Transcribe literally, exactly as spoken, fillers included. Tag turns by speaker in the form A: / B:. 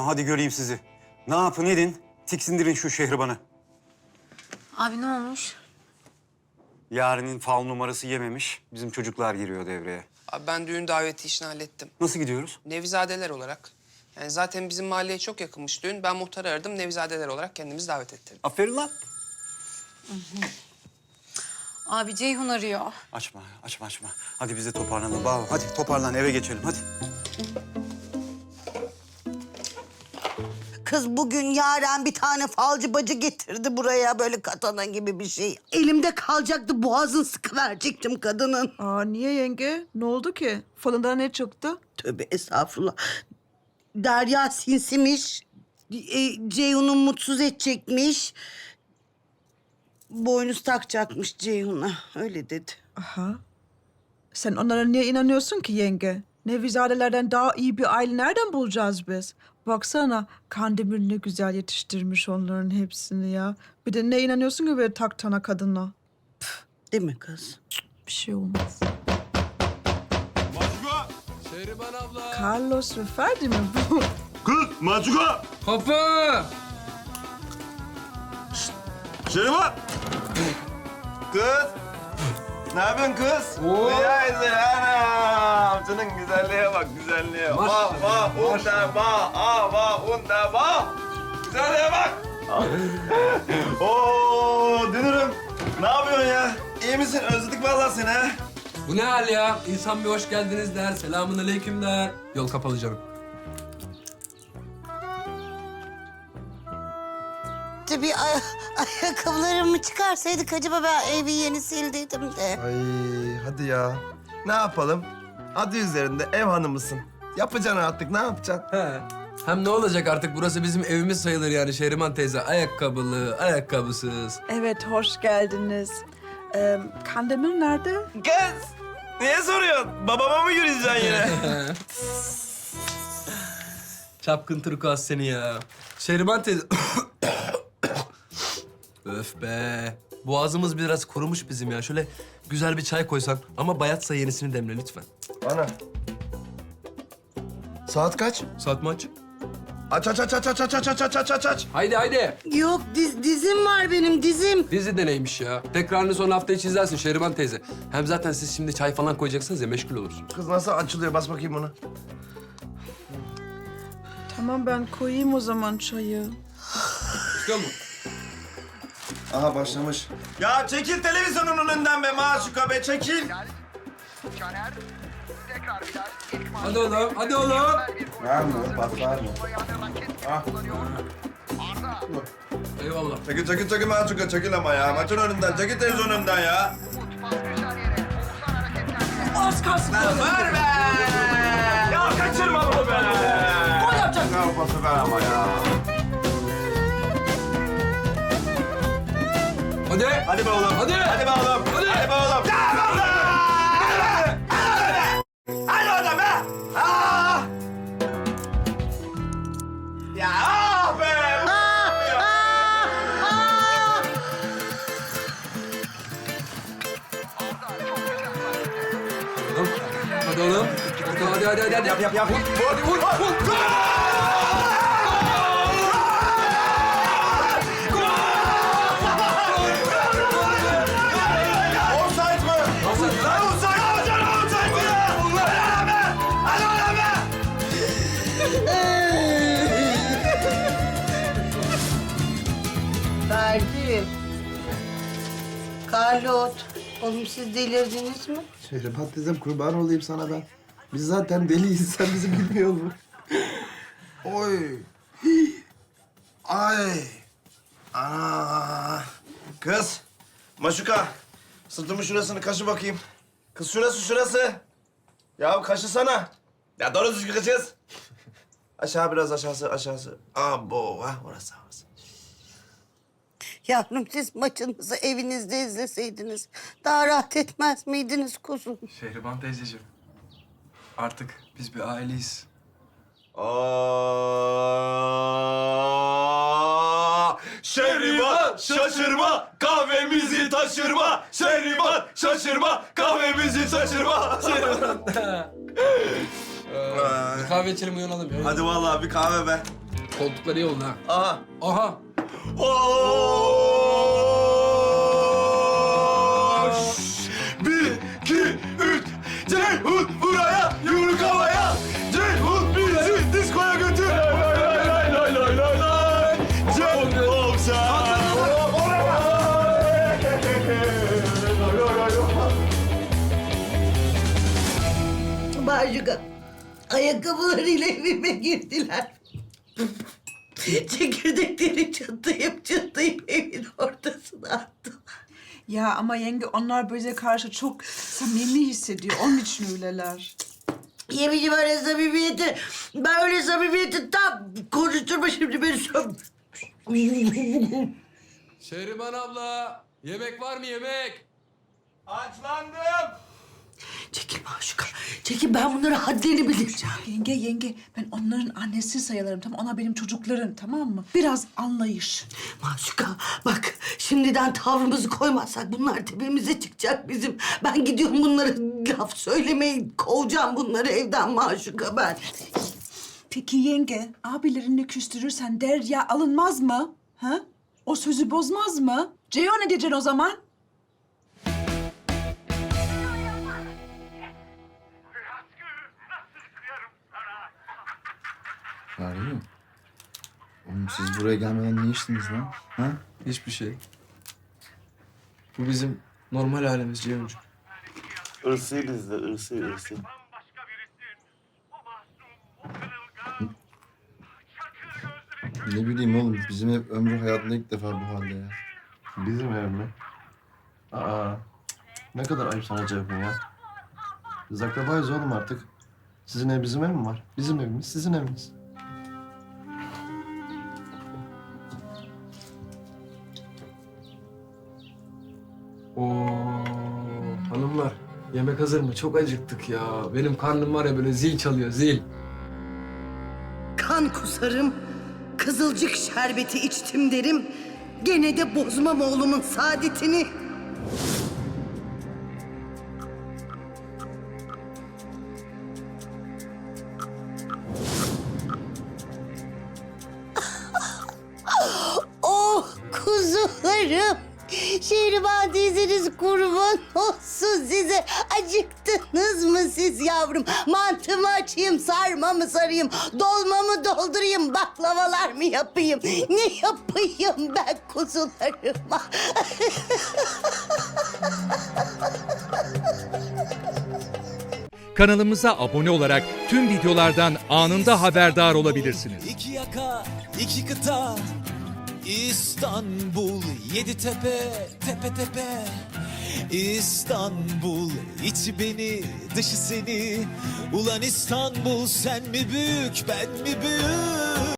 A: hadi göreyim sizi. Ne yapın edin, tiksindirin şu Şehriban'ı.
B: Abi ne olmuş?
A: Yarenin fal numarası yememiş, bizim çocuklar giriyor devreye.
C: Abi ben düğün daveti işini hallettim.
A: Nasıl gidiyoruz?
C: Nevizadeler olarak. Yani zaten bizim mahalleye çok yakınmış düğün. Ben muhtarı aradım, Nevizadeler olarak kendimizi davet ettirdim.
A: Aferin lan.
B: Abi Ceyhun arıyor.
A: Açma, açma, açma. Hadi biz de toparlanalım. Bağ, hadi toparlan, eve geçelim, hadi.
D: Kız bugün Yaren bir tane falcı bacı getirdi buraya böyle katana gibi bir şey. Elimde kalacaktı boğazını sıkıverecektim kadının.
E: Aa niye yenge? Ne oldu ki? Falından ne çıktı?
D: Tövbe estağfurullah. Derya sinsimiş. E, Ceyhun'u mutsuz edecekmiş. Boynuz takacakmış Ceyhun'a. Öyle dedi.
E: Aha. Sen onlara niye inanıyorsun ki yenge? Nevizadelerden daha iyi bir aile nereden bulacağız biz? Baksana Kandemir ne güzel yetiştirmiş onların hepsini ya. Bir de ne inanıyorsun ki böyle taktana kadına?
D: Değil mi kız?
E: Bir şey olmaz.
F: Maçuka!
G: Şehriban abla.
E: Carlos ve Ferdi mi bu?
F: Kız! Maçuka!
G: Kapı.
F: Şeriman! Kız! Ne yapıyorsun kız?
G: Oo.
F: Neyse anam! Senin güzelliğe bak, güzelliğe. Bak,
G: Maşallah,
F: bak, unda bak, ah bak, unda bak. Güzelliğe bak. Oo, dünürüm. Ne yapıyorsun ya? İyi misin? Özledik vallahi seni ha.
G: Bu ne hal ya? İnsan bir hoş geldiniz der, selamun aleyküm der. Yol kapalı canım.
D: Tabii ay ayakkabılarımı çıkarsaydık acaba ben evi yeni sildiydim de.
H: Ay hadi ya. Ne yapalım? Adı üzerinde ev hanımısın. Yapacaksın artık, ne yapacaksın?
G: He. Hem ne olacak artık burası bizim evimiz sayılır yani Şehriman teyze. Ayakkabılı, ayakkabısız.
E: Evet hoş geldiniz. Ee, Kandemir nerede?
F: Kız! Niye soruyorsun? Babama mı yürüyeceksin yine?
G: Çapkın turkuaz seni ya. Şehriman teyze... Öf be. Boğazımız biraz kurumuş bizim ya. Şöyle güzel bir çay koysan ama bayatsa yenisini demle lütfen.
H: Ana. Saat kaç?
G: Saat mi aç?
H: Aç aç aç aç aç aç aç aç aç aç aç.
G: Haydi haydi.
D: Yok diz, dizim var benim dizim.
G: Dizi de neymiş ya? Tekrarını son hafta içi izlersin Şehriban teyze. Hem zaten siz şimdi çay falan koyacaksınız ya meşgul olursun.
H: Kız nasıl açılıyor? Bas bakayım bunu.
E: Tamam ben koyayım o zaman çayı.
G: İstiyor musun?
H: Aha başlamış.
F: Ya çekil televizyonun önünden be Maşuka be, çekil.
G: Hadi oğlum, hadi oğlum.
H: Var mı? Bas var mı?
G: Eyvallah.
F: Çekil çekil çekil Maşuka, çekil ama ya. Maçın önünden, çekil televizyonun önünden ya.
E: Az kalsın.
F: Ver be! Ya kaçırma bunu be!
E: Gol yapacak.
F: Ne yapası ver ama ya.
G: Hadi.
F: Hadi be oğlum.
G: Hadi.
F: Hadi be oğlum.
G: Hadi.
F: Hadi be oğlum. Gel be oğlum. Hadi be. Hadi oradan be. Ah! Ya ah be.
G: Oğlum, hadi oğlum. Hadi hadi hadi hadi.
F: Yap yap yap. Vur vur vur. Offside mı? Lan offside alacaksın, offside mi ya? Hadi be. Hadi oradan be.
D: Ferdi. Carlos. Oğlum siz delirdiniz mi?
H: Şehriban teyzem kurban olayım sana ben. Biz zaten deliyiz. Sen bizi bilmiyor musun? Oy.
F: Ay. Ana. Kız. Maşuka. Sırtımın şurasını kaşı bakayım. Kız şurası şurası. Ya kaşısana. Ya doğru düzgün kaşıyız. Aşağı biraz aşağısı aşağısı. Abo. Ha orası orası.
D: Yavrum siz maçınızı evinizde izleseydiniz daha rahat etmez miydiniz kuzum?
I: Şehriban teyzeciğim, artık biz bir aileyiz.
F: Aa, Şehriban şaşırma kahvemizi taşırma. Şehriban şaşırma kahvemizi taşırma.
G: Bir kahve içelim uyanalım ya.
F: Hadi vallahi bir kahve be.
G: Koltuklar iyi oldu ha.
F: Aha.
G: Aha.
F: Oş! Bir, iki, üç. Ceyhun buraya, yumruk havaya. Ceyhun bizi diskoya götür. Lay lay lay lay lay lay lay. Ceyhun sen.
D: Maşuka, ayakkabılarıyla evime girdiler. Çekirdekleri çıtlayıp çıtlayıp evin ortasına attım.
E: Ya ama yenge onlar bize karşı çok samimi hissediyor. Onun için öyleler.
D: Yemeyeceğim öyle samimiyeti. Ben öyle samimiyeti tam konuşturma şimdi beni.
G: Şehriman abla, yemek var mı yemek?
F: Açlandım.
D: Çekil Maşuka, çekil, ben bunları haddini bileceğim.
E: Yenge yenge ben onların annesi sayılırım. Tamam, onlar benim çocuklarım, tamam mı? Biraz anlayış.
D: Maşuka bak, şimdiden tavrımızı koymazsak bunlar tepemize çıkacak bizim. Ben gidiyorum bunlara laf söylemeyi, kovacağım bunları evden Maşuka ben.
E: Peki yenge, abilerini küstürürsen Derya alınmaz mı? Ha? O sözü bozmaz mı? Ceyhun ne diyeceksin o zaman?
H: Arıyor. Oğlum siz buraya gelmeden ne içtiniz lan? Ha?
I: Hiçbir şey. Bu bizim normal halimiz Ceyhuncuğum.
F: Irsı bizde, ırsı, ırsı.
H: Ne bileyim oğlum, bizim hep ömrü hayatında ilk defa bu halde ya.
F: Bizim ev mi? Aa, ne kadar ayıp sana Ceyhun ya. Biz akrabayız oğlum artık. Sizin ev bizim ev mi var? Bizim evimiz, sizin eviniz.
G: Oo, hanımlar, yemek hazır mı? Çok acıktık ya. Benim karnım var ya böyle zil çalıyor, zil.
D: Kan kusarım, kızılcık şerbeti içtim derim. Gene de bozmam oğlumun saadetini. Oh kuzularım. Şehriban teyzeniz kurban olsun size. Acıktınız mı siz yavrum? Mantı mı açayım, sarma mı sarayım, dolma mı doldurayım, baklavalar mı yapayım? Ne yapayım ben kuzularıma?
J: Kanalımıza abone olarak tüm videolardan anında haberdar olabilirsiniz.
K: İki yaka, iki kıta, İstanbul, yedi tepe, tepe tepe. İstanbul, içi beni, dışı seni. Ulan İstanbul, sen mi büyük, ben mi büyük?